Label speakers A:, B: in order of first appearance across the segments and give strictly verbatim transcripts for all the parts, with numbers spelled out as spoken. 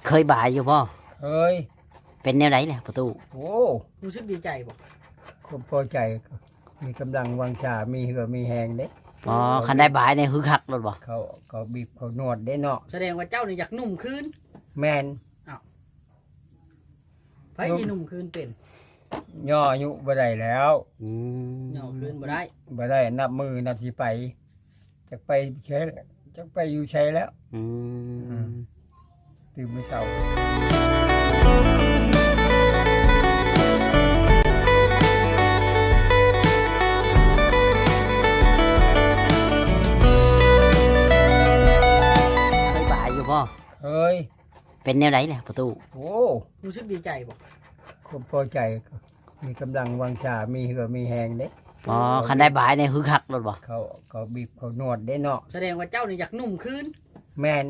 A: เคยบ่ายอยู่บ่
B: เฮ้ย
A: เป็นแนวไหนแหละประตู
B: โอ้
C: รู้สึกดีใจบ่
B: คนพอใจมีกำลังวังชามีเหือมีแหงเด้
A: อ๋อคันได้บ่ายในฮึกคักรถบ่
B: เขาเขาบีบเขานวดได้เนาะ
C: แสดงว่าเจ้านี่อยากนุ่มคืน
B: แมน
C: ไผสินุ่มคืนเป็น
B: ย่ออายุบ่ได้แล้ว
A: อืม
C: ย่อคืนบ่ได้
B: บ่ได้นับมือนับสิไปจักไปใช้จักไปอยู่ใช้แล้ว
A: อืม
B: ตื่นไม่เช้า
A: เคยบ่ายอยู่บ่
B: เฮ้ย
A: เป็นแนวไหนแหละประตู
B: โอ้
C: รู้สึกดีใจบ่
B: คนพอใจมีกำลังวังชามีเหือมีแหงเด้
A: อ๋อคันได้บ่ายในฮึกคักรถบ่
B: เขาเขาบีบเขานวดได้เนาะ
C: แสดงว่าเจ้านี่อยากนุ่มคืน
B: แมน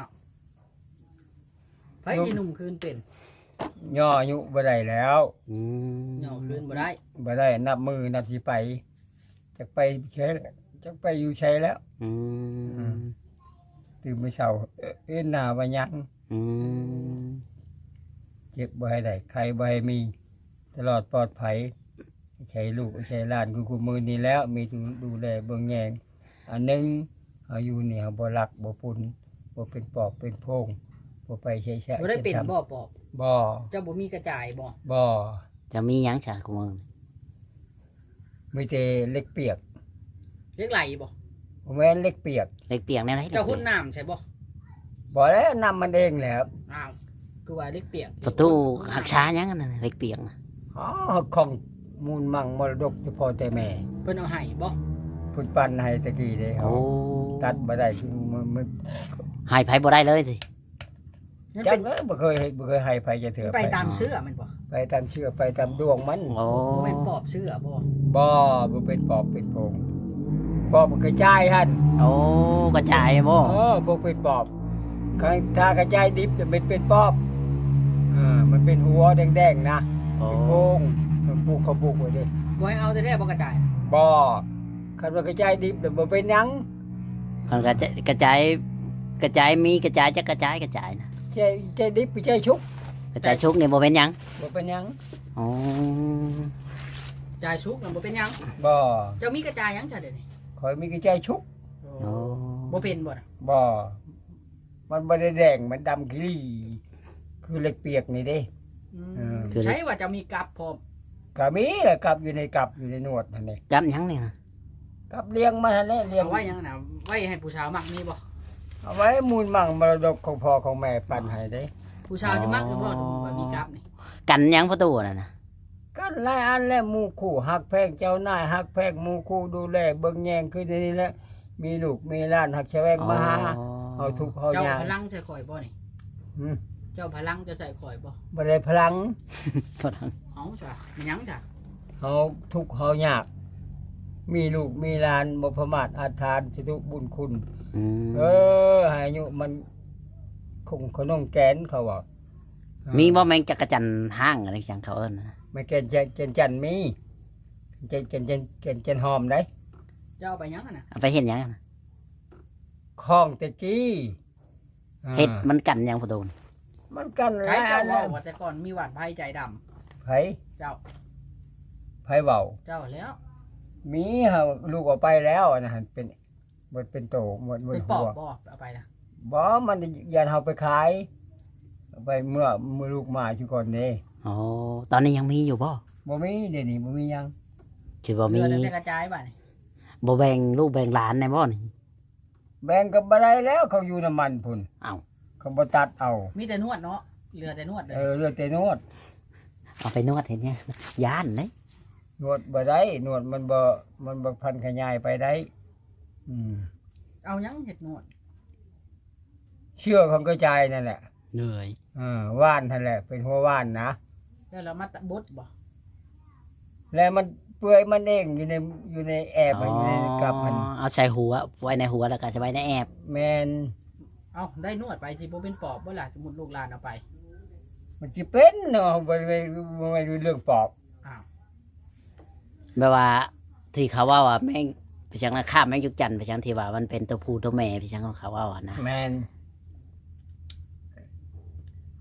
C: ไผสินุ่มคืนเป็น
B: ย่ออายุบ่ได้แล้ว
A: อืม
C: ย่อคืนบ่ได้
B: บ่ได้นับมือนับสิไปจักไปใช้จักไปอยู่ใช้แล้ว
A: อืม
B: ตื่นไม่เช้าเอ็นหน้าว่ายัง
A: อืม
B: เจ็บบ่ให้ได้ใครบ่ให้มีตลอดปลอดภัยใช้ลูกใช้หลานคือคู่มือนี้แล้วมีดูแลเบิ่งแยงอันนึงอายุนี่เฮาบ่รักบ่ปุ่นบ่เป็นปอบเป็นโพงบ่ไปใช้ใช้
C: บ่ได้เป็นบ่ปอบ
B: บ่
C: เจ้าบ่มีกระจายบ่
B: บ่
A: จะมีหยังซะกูมึง
B: มีแต่เล็กเปียก
C: เล็กไหลบ่
B: บ่แม่นเล็กเปียก
A: เล็กเปียกแนวไหน
C: เจ้าหุ่นน้ำใช่บ่
B: บ่แล้วนำมันเองแล้ว
C: อ้าวคือว่าเล็กเปียก
A: ประตูหักช้าหยังนั่นน่ะเล็กเปียกน่ะ
B: อ๋อของมูลมั่งมรดกที่พ่อแต่แม่
C: เพิ่นเอาให้บ่
B: เพิ่นปันให้ตะกี้เด้เฮาตัดบ่ได้คือมัน
A: ให้ไผบ่ได้เลยสิ
B: จังเอ้ยบ่เคยบ่เคยให้ไผจะเถือ
C: ไปตามเชื่อมันบ่
B: ไปตามเชื่อไปตามดวงมัน
A: โอ้
C: แม่นปอบเชื่อบ่
B: บ่บ่เป็นปอบเป็นโพงปอบมันกระจายหั่น
A: โอ้กระจายบ่
B: เออบ่เป็นปอบถ้ากระจายดิบจะเป็นเป็นปอบเออมันเป็นหัวแดงๆนะเป็นโพงมันปลูกเขาปลูกไว้ดิ
C: บ่ให้เอาแต่ได้บ่กระจาย
B: บ่คันว่ากระจายดิบแล้วบ่เป็นหยัง
A: มันกระจายกระจายกระจายมีกระจายจะกระจายกระจายนะ
B: ใจใจดิบไปใจชุก
A: กระจายชุกนี่บ่เป็นหยัง
B: บ่เป็นหยัง
A: อ๋อ
C: จายชุกน่ะบ่เป็นหยัง
B: บ่
C: เจ้ามีกระจายหยังซะเดี๋ยวนี้
B: ข่อยมีกระจายชุก
A: โอ้
C: บ่เป็นบ่น่ะ
B: บ่มันบ่ได้แดงมันดำขี้คือเหล็กเปียกนี่เด้
C: อืมใช่ว่าจะมีกับพร้อม
B: ก็มีแหละกับอยู่ในกับอยู่ในหนวดนั่นนี่
A: กับหยังนี่นะ
B: กับเลี้ยงมาแน่เลี้ยง
C: เอาไว้หยังน่ะไว้ให้ผู้สาวมักมีบ่
B: เอาไว้มูลมั่งมรดกของพ่อของแม่ปันให้เด้
C: ผู้สาวสิมักหรือบ่ว่ามีกับนี่
A: กันหยังประตูนั่นน่ะ
B: กันหลายอันแล้วหมู่คู่ฮักแพงเจ้านายฮักแพงหมู่คู่ดูแลเบิ่งแยงคือนี่แหละมีลูกมีหลานฮักแชวงมาหาเอาทุกข์เฮายาก
C: เจ้าพลังใส่ข่อยบ่นี่
B: หือ
C: เจ้าพลังจะใส่ข่อยบ่
B: บ่ได้พลัง
A: พลัง
C: เอ้าจ้ะมันหยังจ้ะ
B: เฮาทุกข์เฮายากมีลูกมีหลานบ่ประมาทอาทานสิทุบุญคุณเออให้อายุมันคงขนมแกนเขาว่า
A: มีบ่แมงจักรจันทร์ห้างอะไรจังเขาเอิ้นนะ
B: ไม่แกนจันจันจันมีจันจันจันจันจันหอมได้
C: เจ้าไปหยังน่ะ
A: เอาไปเฮ็ดหยังน่ะ
B: ข้องตะกี้
A: เฮ็ดมันกันหยังประตู
B: มันกัน
C: ใครเจ้าว่าว่าแต่ก่อนมีหวานไผใจดำ
B: ไผ
C: เจ้า
B: ไผเว้า
C: เจ้าแล้ว
B: มีเฮาลูกออกไปแล้วนะเป็นหมดเป็นโตหมดหมด
C: หัวบ่เอาไปนะ
B: บ่มันยันเฮาไปขายไปเมื่อเมื่อลูกมาอยู่ก่อนนี่
A: อ๋อตอนนี้ยังมีอยู่บ่
B: บ่มีเดี๋ยวนี้บ่มียัง
A: คิดว่ามี
C: เรื่องกระจายบ่นี่
A: บ่แบ่งลูกแบ่งหลานได้บ่นี่
B: แบ่งกับบ่ได้แล้วเขาอยู่น้ำมันพุ่น
A: อ้าว
B: เขาบ่ตัดเอา
C: มีแต่นวดเนาะเหลือแต่นวด
B: เออเหลือแต่นวด
A: เอาไปนวดเห็นเนี่ยย่านเด้
B: นวดบ่ได้นวดมันบ่มันบ่พันขยายไปได้อืม
C: เอาหยังเฮ็ดนวด
B: เชือกของกระจายนั่นแหละ
A: เหนื่อย
B: เออว่านนั่นแหละเป็นหัวว่านนะ
C: แล้วเรามาตะบดบ่
B: แล้วมันเปื่อยมันเองอยู่ในอยู่ในแอบอยู่ในกับมัน
A: เอาใส่หัวไว้ในหัวแล้วก็จะไว้ในแอบ
B: แม่น
C: เอาได้นวดไปสิบ่เป็นปอบบ่ล่ะสมมุติลูกหลานเอาไป
B: มันสิเป็นเนาะบ่ไม่ไม่รู้เรื่องปอบ
C: อ้าว
A: แบบว่าที่เขาว่าว่าแม่งพี่ชังนะข้ามแม่งยุกจันทร์พี่ชังที่ว่ามันเป็นตัวผู้ตัวแม่พี่ชังของเขาว่านะ
B: แม่น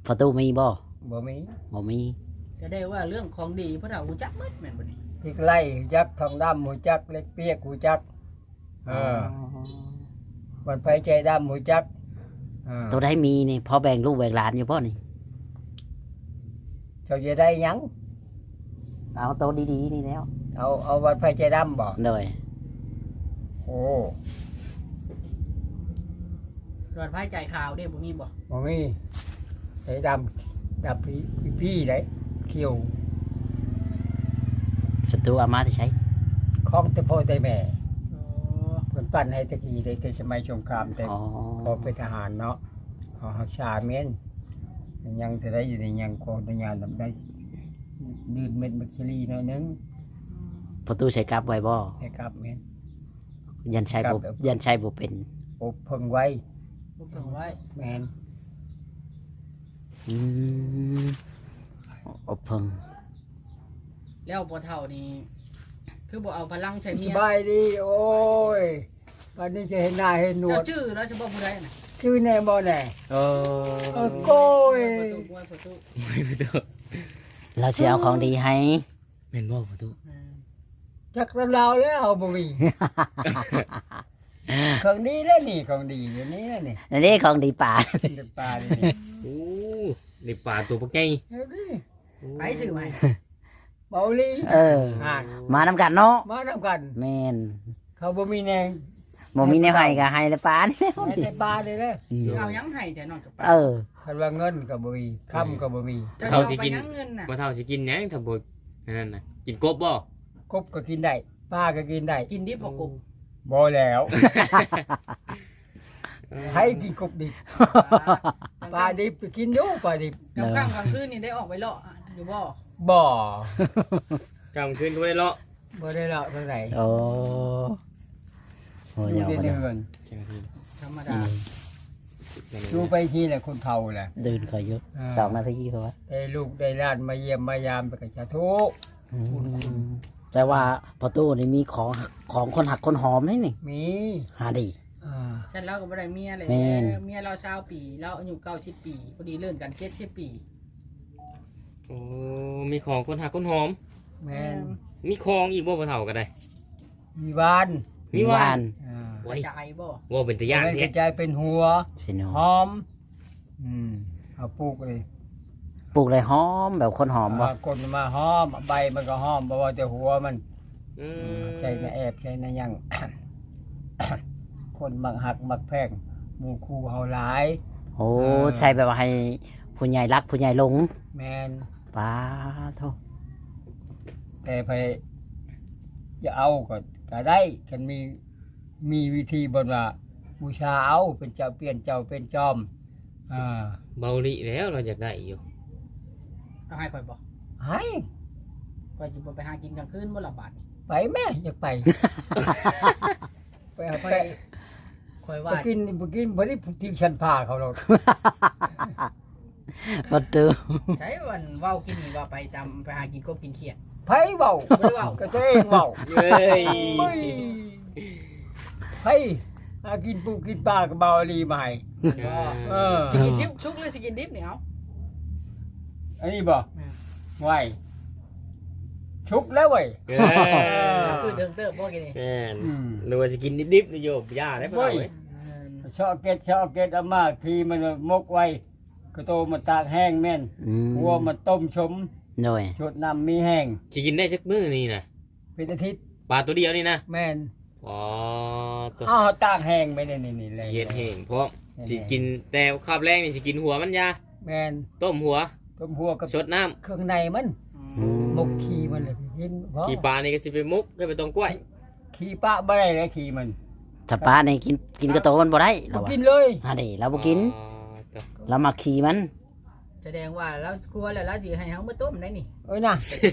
A: ประตูมีบ่
B: บ่มี
A: บ่มี
C: จะได้ว่าเรื่องของดีเพราะเราหูจักหมดแม่นบ่นี่
B: พริกไล่หูจักทองดำหูจักเล็กเปียกหูจักเออวันไผใจดำหูจักเออ
A: ตัวได้มีนี่พอแบ่งลูกแบ่งหลานอยู่บ่นี่
B: เจ้าจะได้หยัง
A: เอาตัวดีๆนี่แล้ว
B: เอาเอาวันไผใจดำบ่
A: โดย
B: โอ้
C: รอดไพ่จ่ายข่าวเด้บ่มีบ่
B: บ่มีใจดำดำพี่พี่ได้เขียว
A: ประตูเอามาที่ใช้
B: ของแต่พ่อแต่แม่
C: โอ้
B: เพิ่นปั้นให้ตะกี้ได้แต่สมัยสงครามแต่
A: อ๋อ
B: พอเป็นทหารเนาะเขาหักษาเมนยังจะได้อยู่ในยังโคตรยานทำได้ดืนเม็ดมัคคิรีหน่อยนึง
A: ประตูใช้กลับไว้บ่
B: ให้กลับเมน
A: ยันใช้
B: กลั
A: บ่
B: บแล้ว
A: ยันใช้บ่เป็น
B: อบเพิ่งไว้
C: บ่เพิ่งไว้
B: แมน
A: อืมอบเพิ่ง
C: แล้วบ่เฒ่านี่คือบ่เอาพลังใช้เมี
B: ส
C: ย
B: บายดีโอ้ยวันนี้จะเห็นหน้าเห็นหนว
C: เจ้า
B: ด
C: ชื่อแล้วเฉพาะผู้ใดน่ะ
B: ชื่อแน่บ่แน่
A: เอ
B: เออโก้ย
C: ประตูประตู
A: เราสิเอาของดีให้
D: แม่นบ่ประตู
C: อืม
B: จักรลาวแล้วบ่มีของดีแล้วนี่ของดีเดี๋ยวนี้แล้วนี่
A: อันนี้ของดีป่า
B: เป็นปลานี่
D: โอ้ในป่าตัวปักไง
B: เดี๋ยวนี้
C: ไปชื่อใหม่
B: เบาลี
A: เออ
B: อ่าน
A: มานำกันเนาะ
B: มาทำกัน
A: แม่น
B: เขาบ่มีแนง
A: บ่มีแนวให้ก็ให้แต่ป่านี่แล้ว
B: แม้
A: นี่
B: แต่ปลาเลยเด้อ
A: อืม
C: สิเอาหยังให้แต่นอนกับปลา
A: เออ
B: คันว่าเงินก็บ่มีค่ำก็บ่มี
C: จะเอาไปหยังเงินน่ะ
D: บ่เท่าสิกินหยังถ้าบ่อันนั้นน่ะกินกบบ่
B: กบก็กินได้ปลาก็กินได้
C: กินดิบบ่กบ
B: บ่แล้วให้กินกบดิบปลาดิบก็กินอยู่ปลาดิบ
C: กลางค่ำกลางคืนนี่ได้ออกไปเลาะอยู่บ่
B: บ่
D: กลางคืนก็บ่ได้เลาะ
B: บ่ได้ละเท่าไหร่
A: โอ้โห
B: อยู่
A: ยาว
B: ใน
A: มา
B: เดื
A: แล้ว
B: อน
D: จังซี่
C: ธรรมดา
B: ดูไปทีแหละคนเฒ่าแหละ
A: เดินขอยุ
B: อ่า
A: สองนาทีเพราะว่า
B: ได้ลูกได้หลานมาเยี่ยมมายามไปกับชาทุก
A: แต่ว่าประตูนี่มีของของคนหักคนหอมนี่นี่
B: มี
A: หาดี
B: อ่า
C: ฉันเราก็บ่ได้เมียเลย
A: แม่น
C: เมียเรา20ปีเราอายุ90ปีพอดีเลื่อนกัน70ปี
D: โอ้มีของคนหักคนหอม
B: แม่น
D: มีของอีกบ่บ่เท่าก็ได้
B: มีวาน
D: มีหวาน
B: อ่า
D: โอ้ย
C: จ่ายบ่
D: ว่าเป็นตะย่าน
B: ไม่ก
D: แท้
B: ระจายเป็นหัว
A: พี่น้อง
B: หอม อืมเอาปลูกเลย
A: ปลูกเลยหอมแบบคนหอมบ่
B: อ่ากดมันมาหอมใบมันก็หอมเพราะว่าแต่หัวมัน
D: อืม
B: ใจนะแอบใจนะยัง คนมักหักมักแพงหมู่คู่เฮาหลาย
A: โอ้
B: เออ
A: ใช่แบบว่าให้ผู้ใหญ่รักผู้ใหญ่หลง
B: แมน
A: ป้าโท
B: แต่ไปจะเอาก็ก็ได้กันมีมีวิธีบนว่าบูชาเอาเป็นเจ้าเปลี่ยนเจ้าเป็นจอม อ่า
D: เบาลิแล้วเราอยากได้อยู่
C: เอาให้ข่อยบ่
B: ให้
C: ข่อยสิบ่ไปหากินกลางคืนบ่ละบาดนี่
B: ไปแม่อยากไป ไปเอา
C: ข่อ
B: ไป
C: ยข่อย
B: ไป
C: ว่า
B: กินไปกินบ่ได้ทิ้งฉันพาเขาหรอก
A: ประตู
C: ใช้วันเว้ากินนี่ว่าไปตามไปหากินกบกินเขียด
B: ไผเว้า
C: บ่ได้เว้า
B: ก็ตัวเองเว้า
D: เย้ย
B: เฮ้ยไผหากินปูกินปลาก็เบาอีหลีมาให้
C: บ่
B: เออ
C: สิกินชิปชุกหรือสิกินดิบนี่เอา
B: อันนี้บ่
C: อืม
B: ไหวชุกแล้วเว้ย
D: เย้
C: เราคือเดิงเติบบ่กินนี่
D: แม่น
B: อืม
D: หรือว่าสิกินดิบๆนี่โยบย่าได้บ่เท่าเว้ย
C: อืม
B: ชอบเก็ดชอบเก็ดอามาทีมันมกไว้ก็โตมันตากแห้งแม่น
A: อืม
B: หัวมันต้มชม
A: โดย
B: ชดน้ำมีแห้ง
D: สิกินได้สักมื้อนี่น่ะ
B: เป็นอาทิตย์
D: ปลาตัวเดียวนี่นะ
B: แม่น
D: อ๋อตัว
B: อ้าวตากแห้งไปนี่นี่นี่เลย
D: สิเฮ็ดแห้งเพราะสิกินแต่คาบแรงนี่สิกินหัวมันยา
B: แม่น
D: ต้มหัว
B: ต้มหัวกับ
D: สดน้ำ
B: เครื่องในมัน
C: อืม
B: มกขี้มันเลยกินเพราะ
D: ขี้ปลานี่ก็สิไปมุกก็ไปตรงกล้วย
B: ขี้ปะบ่ได้เลยขี้มัน
A: ถ้าป้านี่กินกินกระโตมันบ่ได้
B: บ่
A: เรา
B: กินเลย
A: หาดีเราบ่กิน
D: อ๋อตัว
A: เรามาขี่มัน
C: แสดงว่าเรากลัวแล้วเราสิให้เฮามาต้มได้นี่
B: เอ้ยนะ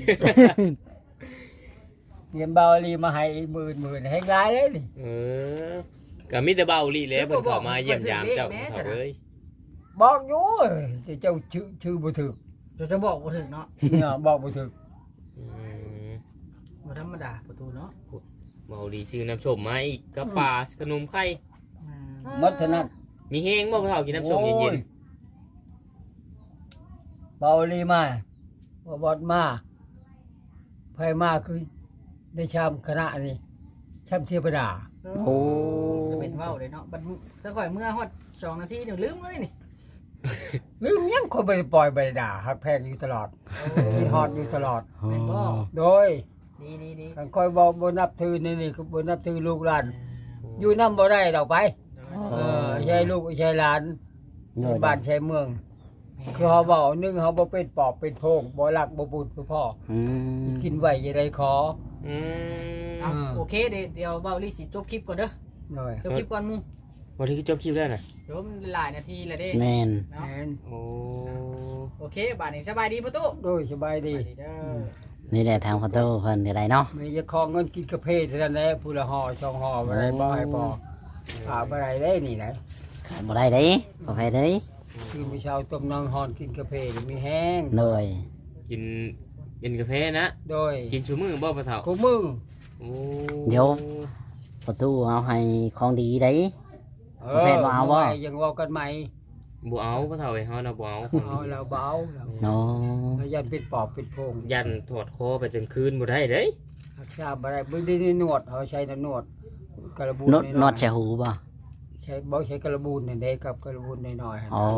B: เตรียมเบาลีมาให้หมื่นหมื่นให้ร้ายเลยนี่
D: เออก็มีแต่เบาลีแหล้วเพิ่นเข้ามาเยี่ยมยามเจ้าเขาเอ้ย
B: บอกอยู่แต่เจ้าชื่อชื่อบ่ถูก
C: จะจะบอกบ่ถึงเนาะ
B: เนาะบอกบ่ถูก
D: อืม
C: บ่ธรรมดาประตูเนาะ
D: เมาดีซื้อน้ำส้มมาอีกกระป๋าขนมไข่
C: อืม
B: หมดเท่านั้น
D: มีแห้งบ่พอเท่ากินน้ำส้มเย็น
B: เบาลีมาบ่บอดมาไผมาคือได้ชามคณะนี่ชามเทวดา
A: โอ้
C: จะเป็นเว้าเลยเนาะบัดจะก่อยเมื่อฮอดสองนาทีเดี๋ยวลืมเลยนี่
B: ลืมยังคนบ่ได้ปล่อยบ่ได้ด่าฮักแพงอยู่ตลอดคิดฮอดอยู่ตลอด
C: แม่นบ่
B: โดย
C: ดีดีดี
B: คันคอยบ่บ่นับถือนี่นี่ก็บ่นับถือลูกหลานอยู่นำบ่ได้ดอกไป เออใช่ลูกใช่หลานในบ้านใช่เมือง คือเขาบอกหนึ่งเขาบ่เป็นปอบเป็นโพงบ่รักบ่บุญคือพ่อ
A: อืม
B: กินไว้จะได้ขอ
D: อืม
C: เอาโอเคเดี๋ยวเดี๋ยวเบาลี่สิจบคลิปก่อนเด้อ
B: หน่อย
C: จบคลิปก่อนหมู
D: วันที่จบคลิปแล้วน่ะ
C: เดี๋ยวมันหลายนาทีแล้วเด้
A: แม่น
C: เนาะ
B: แม่น
D: โอ้
C: โอเคบาดนี้สบายดีประตู
B: โดยสบายดี
C: สบายดีเด้อ
A: นี่แหละทางประตูเพิ่นได้เนาะ
B: มีจะขอเงินกินกาแฟเท่านั้นแหละผู้ละห่อช่องห่อบ่ได้บ่ให้พอหาบ่ได้ได้นี่นะ
A: ขาดบ่ได้เด้บ่ไปเด้
B: คือมื้อเช้าต้มน้ำฮ้อนกินกาแฟนี่มีแห้ง
A: โดย
D: กินกินกาแฟนะ
B: โดย
D: กินชูมือบ่ปะเฒ่า
B: กูมึง
D: โอ้
A: เดี๋ยว ประตูเอาให้ของดีได้
B: เอก
A: าแฟ
B: อ
A: บ่เอาบ่
B: ไว้ยังเว้ากันใหม่
D: บ่เอาปะเฒ่าไอ้เฮาน่ะบ่เอา
B: เอาแล้วเบาแล้ว
A: เนาะ
B: แล้วยันเป็นปอบเป็นโพง
D: ยันถอดคอไปจนคืนบ่ได้เด้ย
B: รักษาบ่ได้เบิ่งได้นี่นวดเขาใช้แต่นวดกระบูน
A: นวด
B: อยๆ
A: นวดใส่หูบ่
B: ใช้บ่ใช้กระบูนนี่นเด้กับกระบูนน้อยๆหั่น
A: อ๋อ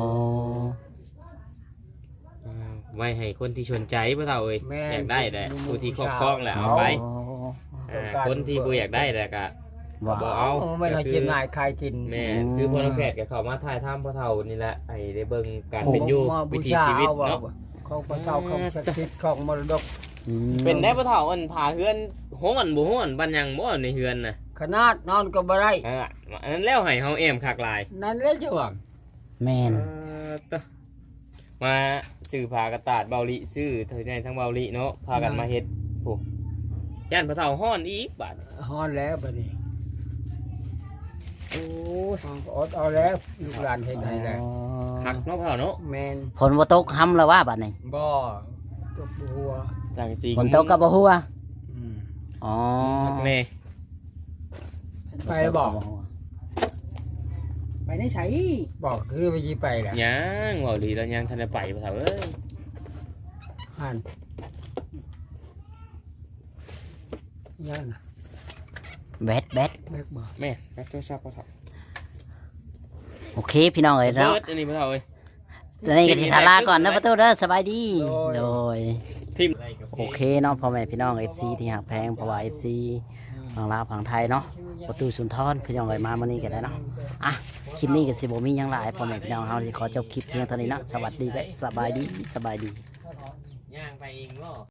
D: อ่าไว้ให้คนที่สนใจปะเฒ่าเอ้ย
B: แม่
D: อยากได้แหละ
B: หมู่
D: ผู้ที่ครอบ
B: ชาว
D: ครองแหละเอาไป
A: อ๋อ
D: อ่าคนที่บ่อยากได้แหละก็
A: ว่า
D: บ่เอา
B: โไม่ให้กินนายคายกิน
D: แม่
A: อืม
D: คือพอน้องแพทย์ก็เข้ามาถ่ายทำพ่อเฒ่านี่แหละไอ้ได้เบิ่งการ
B: ผม
D: เป็นอยู่
B: มา
D: วิ
B: บู
D: ถี
B: ชา
D: ชีวิต
B: เอาว่า
D: เนาะ
B: ของพระเจ้าของศักดิ์สิทธิ์ของมรดก
A: อืม
D: เป็นได้พ่อเฒ่าอันพาเฮือนฮ้อนบ่ฮ้อนบันยังบ่ในเฮือนน่ะ
B: ขนาดนอนก็บ่ได้
D: อ่าอันนั้นแล้วให้เฮาแอมคักหลาย
B: นั่นแหละจ้ะว่า
A: แม่น
D: เออตะมาซื้อผ้ากระตาดเบาลิซื้อเธอในทั้งเบาลิเนาะพากันมาเฮ็ดโอ้ย่านพ่อเฒ่าฮ้อนอีกบาด
B: ฮ้อนแล้วบัดนี้
D: โอ้ย
B: อดเอาแล้วลูกหลานเฮ็ดให้แล้ว
D: คักเนาะพ่อเฒ่าเนาะ
B: แม่น
A: ฝนบ่ตกห้ำแล้วว่าบัดนี้
B: บ่ตกหัว
D: จังสี
A: ฝนตกก็บ่ฮู้อ่ะ
B: อืม
A: อ๋อ
D: คักแน่
B: ไปบอก
C: ไปในไส
B: บอกคือไปสิไปแหละ
D: ยังเบาลิแล้วยังทันได้ไปพ่อเฒ่าเอ้ย
B: หั่นยังน่ะ
A: แบดแบด
B: แบกบ่
D: แม่รับโทรศัพท์พ่อเฒ่า
A: โอเคพี่น้องเอ้ยเนาะ
D: เบิดอันนี้พ่อเฒ่าเอ้ย
A: ตอนนี้ก็สิลาก่อนนะประตูเด้อสบายดีโดย
D: ทิม
A: โอเคเนาะพ่อแม่พี่น้อง เอฟ ซี ที่หักแพงเพราะว่า เอฟ ซี ฝั่งลาวฝั่งไทยเนาะประตูสุนทรพี่น้องเอ้ยมามื้อนี้ก็ได้เนาะอ่ะคลิปนี้ก็สิบ่มีหยังหลายพ่อแม่พี่น้องเฮาสิขอจบคลิปเพียงเท่านี้เนาะสวัสดีและสบายดีสบายดี
D: ย่างไปเองบ่